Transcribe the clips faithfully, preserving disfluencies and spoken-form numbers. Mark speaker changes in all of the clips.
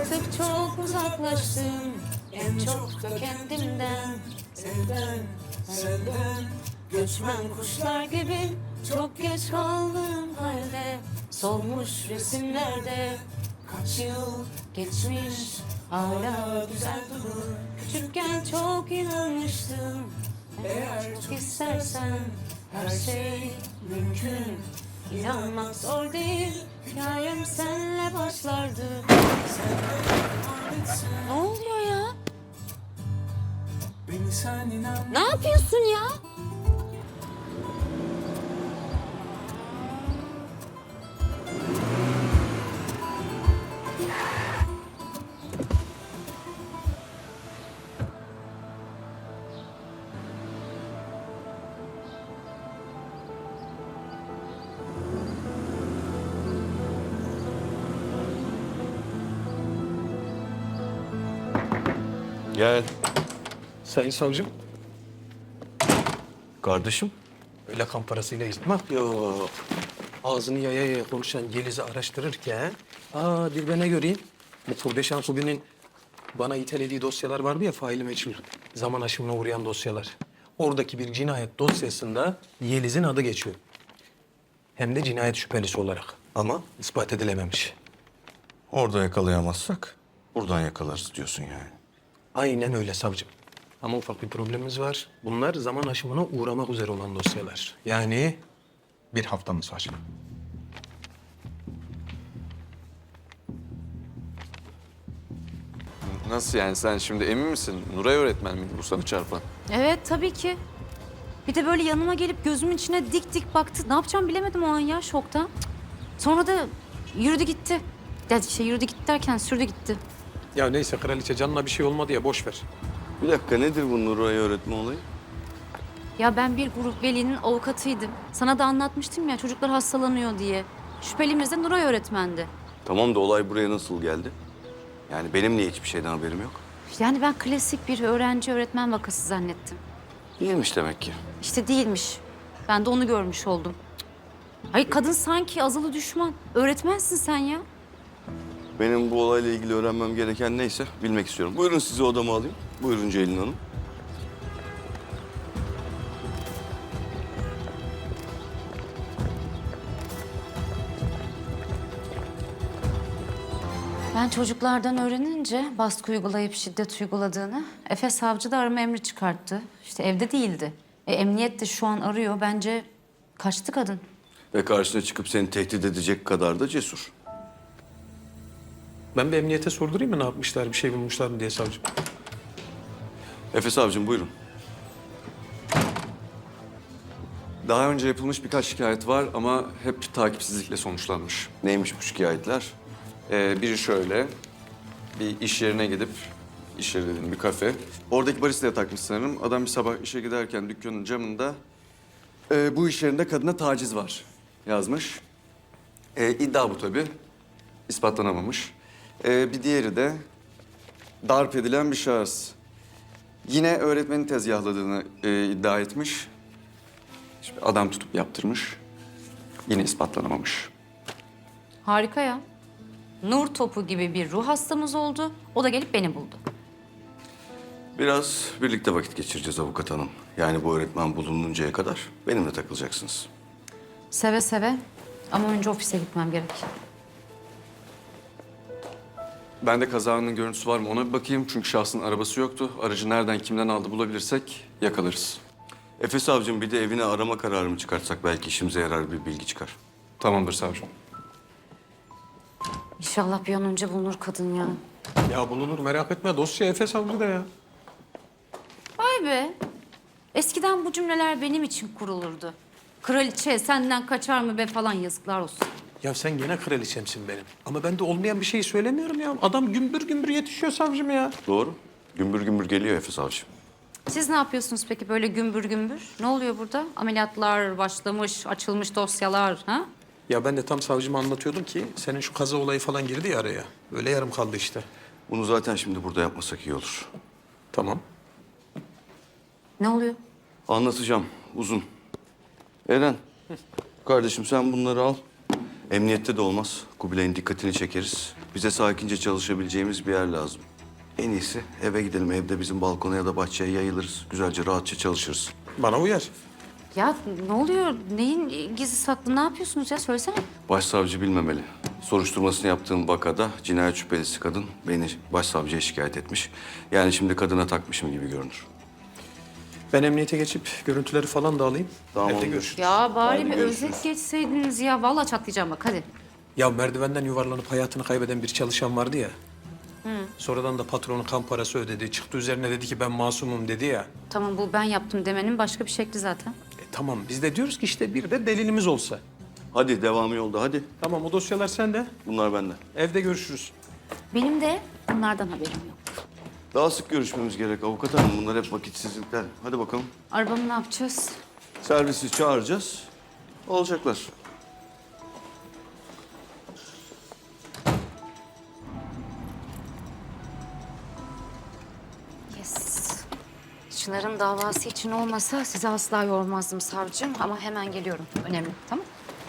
Speaker 1: Artık çok uzaklaştım, en çok da kendimden. Senden, senden, göçmen kuşlar gibi çok geç kaldım halde. Solmuş resimlerde kaç yıl geçmiş, hala güzel durur. Küçükken çok inanmıştım, eğer çok istersen her şey mümkün. İnanmak zor değil, hikayem senle başlardı. Ne oluyor ya?
Speaker 2: Beni sen inan.
Speaker 1: Ne yapıyorsun ya?
Speaker 3: Gel.
Speaker 4: Sayın savcım,
Speaker 3: Kardeşim.
Speaker 4: öyle kan parasıyla yırtma. Yok. Ağzını yaya yaya konuşan Yeliz'i araştırırken... Aa, bir de ne göreyim? Bu Kurde Şankubi'nin bana itelediği dosyalar vardı ya, faili meçhul. Zaman aşımına uğrayan dosyalar. Oradaki bir cinayet dosyasında Yeliz'in adı geçiyor. Hem de cinayet şüphelisi olarak. Ama ispat edilememiş.
Speaker 3: Orada yakalayamazsak buradan yakalarız diyorsun yani.
Speaker 4: Aynen öyle savcım. Ama ufak bir problemimiz var. Bunlar zaman aşımına uğramak üzere olan dosyalar. Yani bir haftamız var.
Speaker 5: Nasıl yani, sen şimdi emin misin? Nuray öğretmen miydi bu sana çarpan?
Speaker 1: Evet, tabii ki. Bir de böyle yanıma gelip gözümün içine dik dik baktı. Ne yapacağımı bilemedim o an ya, şokta. Sonra da yürüdü gitti. Ya şey yürüdü gitti derken sürdü gitti.
Speaker 4: Ya neyse kraliçe, canına bir şey olmadı ya, boş ver.
Speaker 3: Bir dakika, nedir bu Nuray öğretme olayı?
Speaker 1: Ya ben bir grup velinin avukatıydım. Sana da anlatmıştım ya, çocuklar hastalanıyor diye. Şüphelimiz de Nuray öğretmendi.
Speaker 3: Tamam da olay buraya nasıl geldi? Yani benim niye hiçbir şeyden haberim yok?
Speaker 1: Yani ben klasik bir öğrenci öğretmen vakası zannettim.
Speaker 3: Değilmiş demek ki.
Speaker 1: İşte değilmiş. Ben de onu görmüş oldum. Hayır, kadın sanki azılı düşman. Öğretmensin sen ya.
Speaker 3: Benim bu olayla ilgili öğrenmem gereken neyse bilmek istiyorum. Buyurun, sizi odama alayım. Buyurun Ceylin Hanım.
Speaker 1: Ben çocuklardan öğrenince baskı uygulayıp şiddet uyguladığını, Efe savcı da arama emri çıkarttı. İşte evde değildi. E, emniyet de şu an arıyor. Bence kaçtı kadın.
Speaker 3: Ve karşına çıkıp seni tehdit edecek kadar da cesur.
Speaker 4: Ben bir emniyete sordurayım mı, ne yapmışlar, bir şey bulmuşlar mı diye savcım.
Speaker 3: Efe savcım, buyurun.
Speaker 5: Daha önce yapılmış birkaç şikayet var ama hep takipsizlikle sonuçlanmış.
Speaker 3: Neymiş bu şikayetler?
Speaker 5: Ee, biri şöyle, bir iş yerine gidip, iş yeri dediğim bir kafe. Oradaki baristaya takmış sanırım. Adam bir sabah işe giderken dükkanın camında "Ee, bu iş yerinde kadına taciz var" yazmış. Ee, iddia bu tabii. İspatlanamamış. Ee, bir diğeri de darp edilen bir şahıs. Yine öğretmenin tezgahladığını e, iddia etmiş. İşte adam tutup yaptırmış. Yine ispatlanamamış.
Speaker 1: Harika ya. Nur topu gibi bir ruh hastamız oldu. O da gelip beni buldu.
Speaker 3: Biraz birlikte vakit geçireceğiz avukat hanım. Yani bu öğretmen bulununcaya kadar benimle takılacaksınız.
Speaker 1: Seve seve. Ama önce ofise gitmem gerek.
Speaker 5: Ben de kazanın görüntüsü var mı ona bir bakayım. Çünkü şahsın arabası yoktu. Aracı nereden, kimden aldı bulabilirsek yakalarız.
Speaker 3: Efe savcım, bir de evine arama kararı mı çıkartsak belki işimize yarar bir bilgi çıkar.
Speaker 5: Tamamdır savcım.
Speaker 1: İnşallah bir an önce bulunur kadın ya.
Speaker 4: Ya bulunur, merak etme, dosya Efe savcıda ya.
Speaker 1: Vay be. Eskiden bu cümleler benim için kurulurdu. Kraliçe senden kaçar mı be falan, yazıklar olsun.
Speaker 4: Ya sen gene kraliçemsin benim. Ama ben de olmayan bir şeyi söylemiyorum ya. Adam gümbür gümbür yetişiyor savcım ya.
Speaker 3: Doğru. Gümbür gümbür geliyor Efe savcım.
Speaker 1: Siz ne yapıyorsunuz peki böyle gümbür gümbür? Ne oluyor burada? Ameliyatlar başlamış, açılmış dosyalar, ha?
Speaker 4: Ya ben de tam savcıma anlatıyordum ki senin şu kaza olayı falan girdi ya araya. Öyle yarım kaldı işte.
Speaker 3: Bunu zaten şimdi burada yapmasak iyi olur.
Speaker 4: Tamam.
Speaker 1: Ne oluyor?
Speaker 3: Anlatacağım. Uzun. Eren. Kardeşim sen bunları al. Emniyette de olmaz. Kubilay'ın dikkatini çekeriz. Bize sakince çalışabileceğimiz bir yer lazım. En iyisi eve gidelim. Evde bizim balkona ya da bahçeye yayılırız. Güzelce rahatça çalışırız.
Speaker 4: Bana uyar.
Speaker 1: Ya ne oluyor? Neyin gizli saklı? Ne yapıyorsunuz ya? Söylesene.
Speaker 3: Başsavcı bilmemeli. Soruşturmasını yaptığım vakada cinayet şüphelisi kadın beni başsavcıya şikayet etmiş. Yani şimdi kadına takmışım gibi görünür.
Speaker 4: Ben emniyete geçip görüntüleri falan da alayım.
Speaker 3: Tamam,
Speaker 4: Evde
Speaker 3: olur.
Speaker 4: görüşürüz.
Speaker 1: Ya bari
Speaker 3: Hadi
Speaker 1: bir
Speaker 3: görüşürüz.
Speaker 1: özet geçseydiniz ya. Vallahi çatlayacağım bak hadi.
Speaker 4: Ya merdivenden yuvarlanıp hayatını kaybeden bir çalışan vardı ya. Sonradan da patronu kan parası ödedi. Çıktı üzerine dedi ki ben masumum dedi ya.
Speaker 1: Tamam bu ben yaptım demenin başka bir şekli zaten.
Speaker 4: E, tamam biz de diyoruz ki işte bir de delilimiz olsa.
Speaker 3: Hadi devamı yolda hadi.
Speaker 4: Tamam o dosyalar sende.
Speaker 3: Bunlar bende.
Speaker 4: Evde görüşürüz.
Speaker 1: Benim de bunlardan haberim yok.
Speaker 3: Daha sık görüşmemiz gerek avukat hanım. Bunlar hep vakitsizlikler. Hadi bakalım.
Speaker 1: Arabamı ne yapacağız?
Speaker 3: Servisi çağıracağız. Olacaklar.
Speaker 1: Yes. Çınar'ın davası için olmasa sizi asla yormazdım savcım ama hemen geliyorum. Önemli, tamam?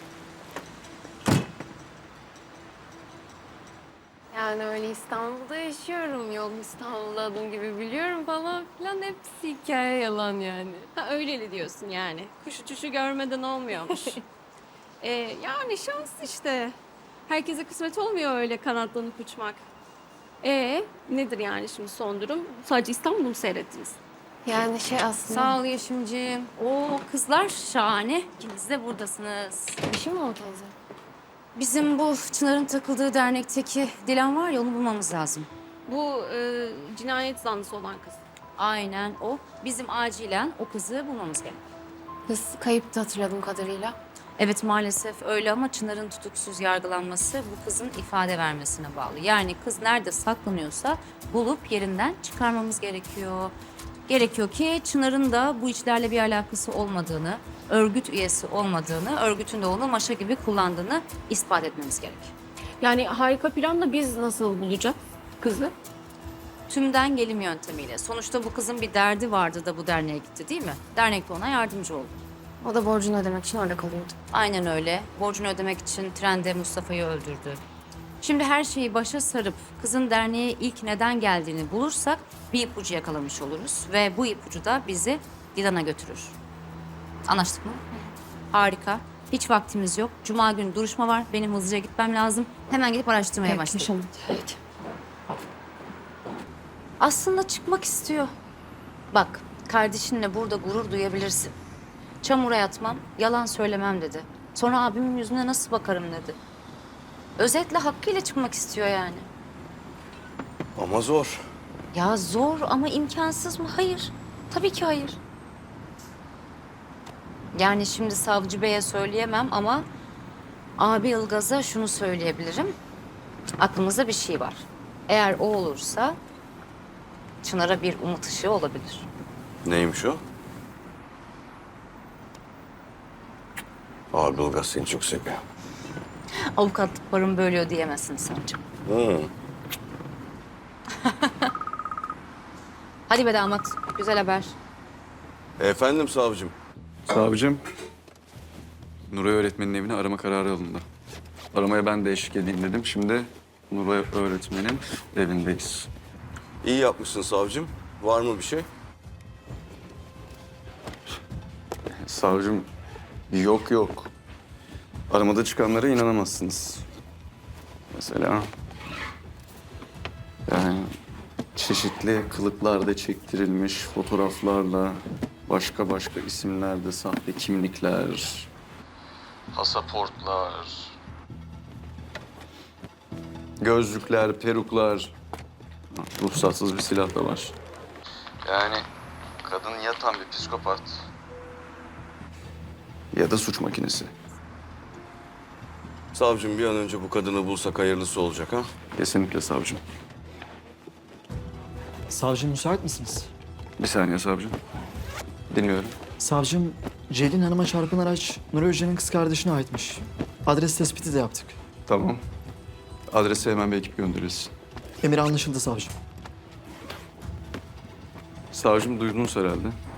Speaker 2: Yani öyle İstanbul'da yaşıyorum. Yol İstanbul'da adım gibi biliyorum falan filan. Hepsi hikaye yalan yani. Ha öyleli diyorsun yani. Kuş uçuşu görmeden olmuyormuş. ee, yani şans işte. Herkese kısmet olmuyor öyle kanatlanıp uçmak. Ee, nedir yani şimdi son durum? Sadece İstanbul'u mu seyrettiniz? Yani şey aslında...
Speaker 1: Sağ ol Yeşimciğim. Oo kızlar şahane. İkiniz de buradasınız.
Speaker 2: Bir şey mi oldu teyze?
Speaker 1: Bizim bu Çınar'ın takıldığı dernekteki Dilan var ya onu bulmamız lazım.
Speaker 2: Bu e, cinayet zanlısı olan kız.
Speaker 1: Aynen o. Bizim acilen o kızı bulmamız gerek.
Speaker 2: Kız kayıptı hatırladığım kadarıyla.
Speaker 1: Evet maalesef öyle ama Çınar'ın tutuksuz yargılanması bu kızın ifade vermesine bağlı. Yani kız nerede saklanıyorsa bulup yerinden çıkarmamız gerekiyor. Gerekiyor ki Çınar'ın da bu işlerle bir alakası olmadığını, örgüt üyesi olmadığını, örgütün de onu maşa gibi kullandığını ispat etmemiz gerek.
Speaker 2: Yani harika planla biz nasıl bulacağız kızı?
Speaker 1: Tümden gelim yöntemiyle. Sonuçta bu kızın bir derdi vardı da bu derneğe gitti değil mi? Dernek de ona yardımcı oldu.
Speaker 2: O da borcunu ödemek için orada kalıyordu.
Speaker 1: Aynen öyle. Borcunu ödemek için trende Mustafa'yı öldürdü. Şimdi her şeyi başa sarıp kızın derneğe ilk neden geldiğini bulursak bir ipucu yakalamış oluruz. Ve bu ipucu da bizi Dilan'a götürür. Anlaştık mı? Harika. Hiç vaktimiz yok. Cuma günü duruşma var. Benim hızlıca gitmem lazım. Hemen gidip araştırmaya başlayalım.
Speaker 2: Evet.
Speaker 1: Aslında çıkmak istiyor. Bak, kardeşinle burada gurur duyabilirsin. Çamura yatmam, yalan söylemem dedi. Sonra abimin yüzüne nasıl bakarım dedi. Özetle hakkıyla çıkmak istiyor yani.
Speaker 3: Ama zor.
Speaker 1: Ya zor ama imkansız mı? Hayır. Tabii ki hayır. Yani şimdi savcı beye söyleyemem ama abi Ilgaz'a şunu söyleyebilirim. Aklımızda bir şey var. Eğer o olursa Çınar'a bir umut ışığı olabilir.
Speaker 3: Neymiş o? Abi Ilgaz seni çok seviyor.
Speaker 1: Avukatlık paramı bölüyor diyemezsin savcım.
Speaker 3: Hı.
Speaker 1: Hadi be damat, güzel haber.
Speaker 3: Efendim savcım.
Speaker 5: Savcım, Nuray öğretmenin evine arama kararı alındı. Aramaya ben de eşlik edeyim dedim. Şimdi Nuray öğretmenin evindeyiz.
Speaker 3: İyi yapmışsın savcım. Var mı bir şey?
Speaker 5: Savcım, yok yok. Aramada çıkanlara inanamazsınız. Mesela... Yani çeşitli kılıklarda çektirilmiş fotoğraflarla... Başka başka isimlerde sahte kimlikler... Pasaportlar... Gözlükler, peruklar... Ruhsatsız bir silah da var. Yani kadın ya tam bir psikopat... Ya da suç makinesi.
Speaker 3: Savcım bir an önce bu kadını bulsak hayırlısı olacak ha?
Speaker 5: Kesinlikle savcım.
Speaker 6: Savcım müsait misiniz?
Speaker 5: Bir saniye savcım. Dinliyorum.
Speaker 6: Savcım, Ceylin Hanım'a çarpın araç Nuri Hoca'nın kız kardeşine aitmiş. Adres tespiti de yaptık.
Speaker 5: Tamam. Adrese hemen bir ekip gönderilsin.
Speaker 6: Emir anlaşıldı savcım.
Speaker 5: Savcım duydunuz herhalde.